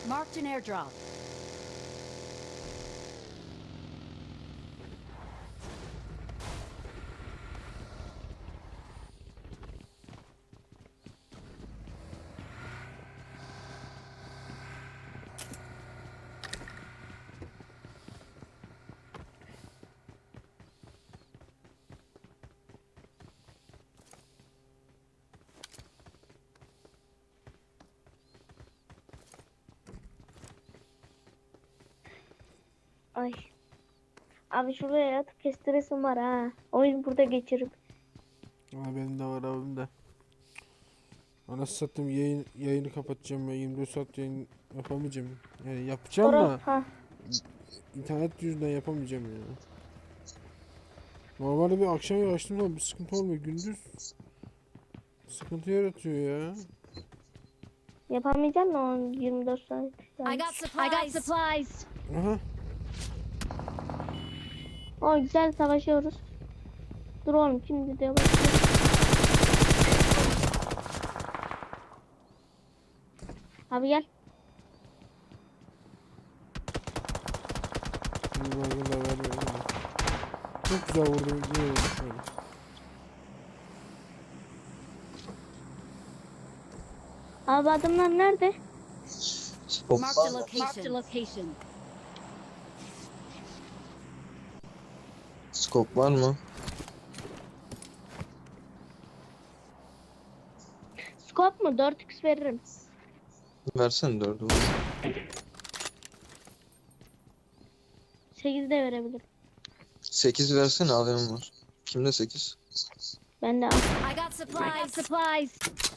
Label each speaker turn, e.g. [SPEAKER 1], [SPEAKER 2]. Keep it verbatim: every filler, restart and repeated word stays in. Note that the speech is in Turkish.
[SPEAKER 1] Marked an airdrop.
[SPEAKER 2] Ay. Abi şuraya yatıp kestiresim var ha. Oyun burada geçirip.
[SPEAKER 3] Aa, benim de var abim de. Anasını satayım, yayın, yayını kapatacağım ya. yirmi dört saat yayın yapamayacağım. Yani yapacağım
[SPEAKER 2] Sonra
[SPEAKER 3] da
[SPEAKER 2] ha.
[SPEAKER 3] internet yüzünden yapamayacağım ya. Normalde bir akşam açtığım zaman bir sıkıntı olmuyor. Gündüz sıkıntı yaratıyor ya.
[SPEAKER 2] Yapamayacağım da on yirmi dört saat.
[SPEAKER 1] I got supplies. I got supplies.
[SPEAKER 3] Aha.
[SPEAKER 2] O güzel savaşıyoruz. Dur oğlum şimdi de başlıyor. Abi gel.
[SPEAKER 3] Bir baygın da vermiyor ama. Çok güzel vurdu. Yine vurdu şöyle.
[SPEAKER 2] Abi adamlar nerede?
[SPEAKER 4] Skop
[SPEAKER 1] Marked
[SPEAKER 4] var
[SPEAKER 1] a
[SPEAKER 4] mı?
[SPEAKER 1] location. Marked a location.
[SPEAKER 4] Skop var mı?
[SPEAKER 2] Scope mu? dört x veririm.
[SPEAKER 4] Versene dördü.
[SPEAKER 2] sekiz de verebilirim.
[SPEAKER 4] sekiz versene A V M var. Kimde sekiz?
[SPEAKER 2] Ben de al.
[SPEAKER 1] I got supplies. I got supplies.